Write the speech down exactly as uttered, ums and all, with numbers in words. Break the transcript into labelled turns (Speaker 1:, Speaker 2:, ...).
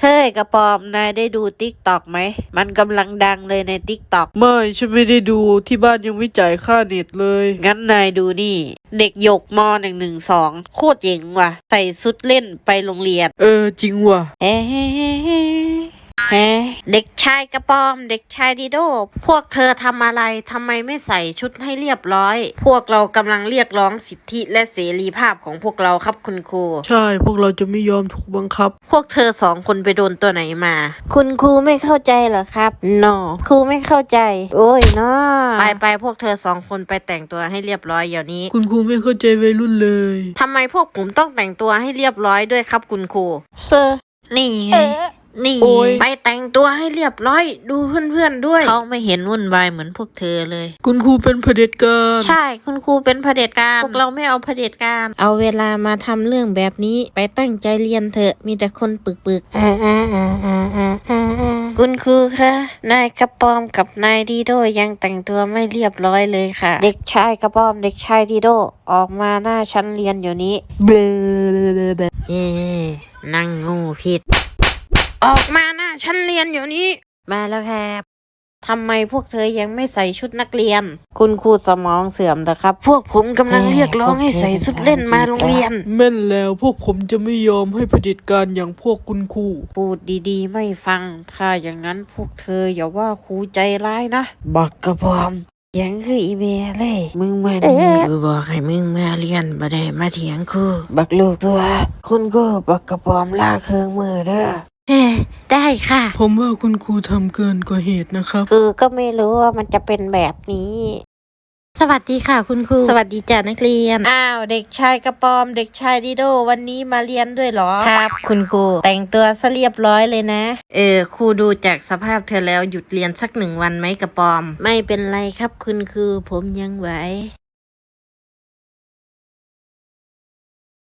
Speaker 1: เฮ้ยกระปอมนายได้ดูติ๊กตอกไหมมันกำลังดังเลยในติ๊กตอก
Speaker 2: ไม่ฉันไม่ได้ดูที่บ้านยังไม่จ่ายค่าเน็ตเลย
Speaker 1: งั้นนายดูนี่ เด็กหยกมหนึ่งหนึ่งสองโคตรเจ๋งว่ะ ใส่ชุดเล่นไปโรงเรียน
Speaker 2: เออจริงว่ะ
Speaker 1: เฮ้ฮะเด็กชายกระปอม เด็กชายดิโด พวกเธอทำอะไรทำไมไม่ใส่ชุดให้เรียบร้อย พวกเรากำลังเรียกร้องสิทธิและเสรีภาพของพวกเราครับคุณครู
Speaker 2: ใช่พวกเราจะไม่ยอมถูกบังคับ
Speaker 1: พวกเธอสองคนไปโดนตัวไหนมา คุณครูไม่เข้าใจเหรอครับนอครูไม่เข้าใจ โอ้ยนอไปไปพวกเธอสองคนไปแต่งตัวให้เรียบร้อยเดี๋ยวนี้
Speaker 2: คุณครูไม่เข้าใจวัยรุ่นเลย
Speaker 1: ทำไมพวกผมต้องแต่งตัวให้เรียบร้อยด้วยครับคุณครูเซอร์นี่ไงนี่
Speaker 2: โอ้ย
Speaker 1: ไปแต่งตัวให้เรียบร้อย ดูเพื่อนๆด้วย เขาไม่เห็นวุ่นวายเหมือนพวกเธอเลย
Speaker 2: คุณครูเป็นเผด็จการ
Speaker 1: ใช่ คุณครูเป็นเผด็จการ พวกเราไม่เอาเผด็จการ เอาเวลามาทำเรื่องแบบนี้ ไปตั้งใจเรียนเถอะ มีแต่คนปึกปึกอ่าอ่าอ่าอ่าอ่าอ่าคุณครูคะ นายกระปอมกับนายดีโดยังแต่งตัวไม่เรียบร้อยเลยค่ะ เด็กชายกระปอม เด็กชายดีโด ออกมาหน้าชั้นเรียนอยู่นี้เบลเย่นั่งงูผิด ออกมาหน้าชั้นเรียนอยู่นี้ มาแล้วครับทำไมพวกเธอยังไม่ใส่ชุดนักเรียน คุณครูสมองเสื่อมนะครับ พวกผมกำลังเรียกร้องให้ใส่ชุดเล่นมาโรงเรียน
Speaker 2: แม่นแล้วพวกผมจะไม่ยอมให้เผด็จการอย่างพวกคุณครู
Speaker 1: พูดดีๆไม่ฟัง ถ้าอย่างนั้นพวกเธออย่าว่าครูใจร้ายนะ บักกระพอมยังคืออีเมลเลย มึงมาดีกูบอกให้มึงมาเรียนบ่ได้มาเถียงครูบักลูกตัว คุณครูบักกระพอมลากเครื่องมือเด้อเฮ้ได้ค่ะ
Speaker 2: ผมว่าคุณครูทำเกินกว่าเหตุนะครับ
Speaker 1: คือก็ไม่รู้ว่ามันจะเป็นแบบนี้ สวัสดีค่ะคุณครู สวัสดีจ้านักเรียน อ้าวเด็กชายกระปอม เด็กชายดิโด วันนี้มาเรียนด้วยเหรอ ครับ คุณครู แต่งตัวซะเรียบร้อยเลยนะ เออครูดูจากสภาพเธอแล้วหยุดเรียนสักหนึ่งวันไหมกระปอม ไม่เป็นไรครับคุณครูผมยังไหว